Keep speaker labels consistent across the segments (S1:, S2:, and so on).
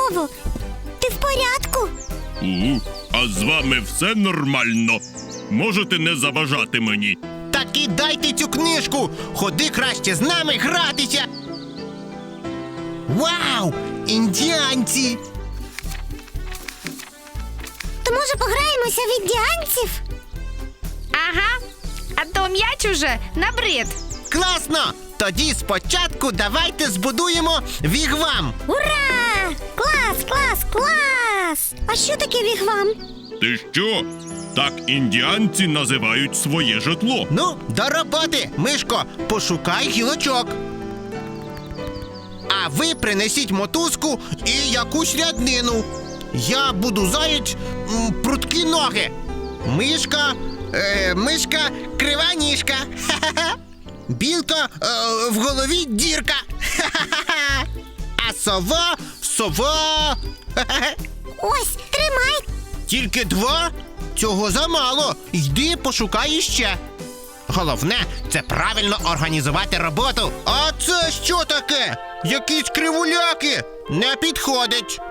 S1: знову. Ти в порядку?
S2: А з вами все нормально? Можете не заважати мені?
S3: Так і дайте цю книжку! Ходи краще з нами гратися! Вау! Індіанці!
S1: То може пограємося в індіанців?
S4: Ага, а то м'яч уже набрид.
S3: Класно! Тоді спочатку давайте збудуємо вігвам!
S1: Ура! Клас, клас, клас! А що таке вігвам?
S2: Ти що? Так індіанці називають своє житло.
S3: Ну, до роботи, Мишко, пошукай гілочок. А ви принесіть мотузку і якусь ряднину. Я буду заєць прудкі ноги. Мишка крива ніжка. Ха-ха-ха. Білка в голові дірка. Ха-ха-ха. А сова. Ха-ха-ха.
S1: Ось, тримай!
S3: Тільки 2? Цього замало. Йди пошукай іще. Головне – це правильно організувати роботу. А це що таке? Якісь кривуляки? Не підходить.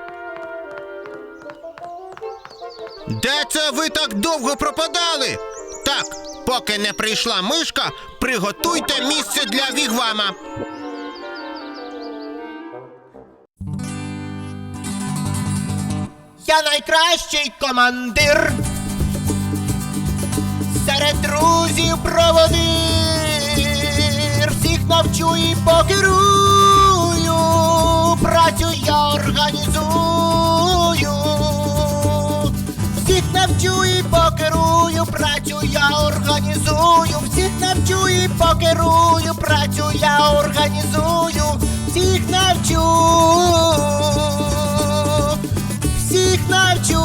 S3: Де це ви так довго пропадали? Так, поки не прийшла Мишка, приготуйте місце для вігвама. Я найкращий командир. Серед друзів проводир. Всіх навчу і покерую. Працю я організую. Всіх навчу і покерую. Працю я організую. Всіх навчу і покерую. Працю я організую. Всіх навчу. Всіх навчу.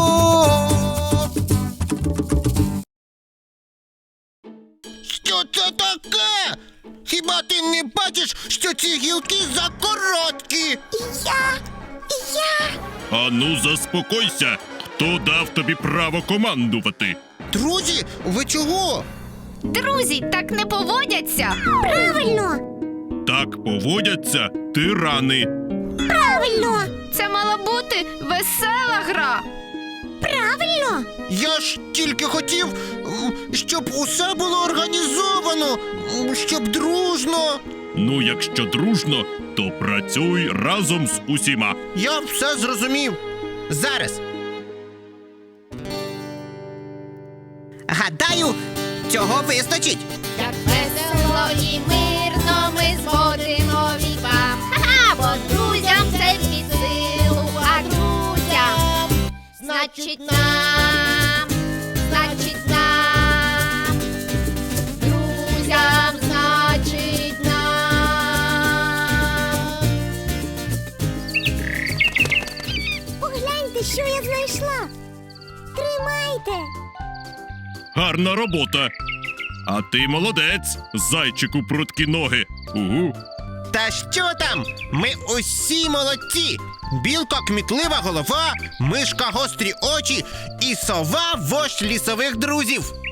S3: Що це таке? Хіба ти не бачиш, що ці гілки закороткі?
S1: Я...
S2: Ану, заспокойся. Хто дав тобі право командувати?
S3: Друзі, ви чого?
S4: Друзі так не поводяться.
S1: Правильно!
S2: Так поводяться тирани.
S1: Правильно!
S4: Це мала бути весела гра.
S1: Правильно!
S3: Я ж тільки хотів, щоб усе було організовано, щоб дружно.
S2: Ну, якщо дружно, то працюй разом з усіма.
S3: Я все зрозумів. Зараз. Гадаю, цього вистачить.
S5: Як весело і мирно ми зводимо вігвам. Ха-ха, бо друзям це під силу, а друзям значить нам, друзям значить нам.
S1: Погляньте, що я знайшла! Тримайте!
S2: Гарна робота. А ти молодець, зайчику прудкі ноги.
S3: Та що там? Ми усі молодці! Білка кмітлива голова, Мишка гострі очі і сова вождь лісових друзів.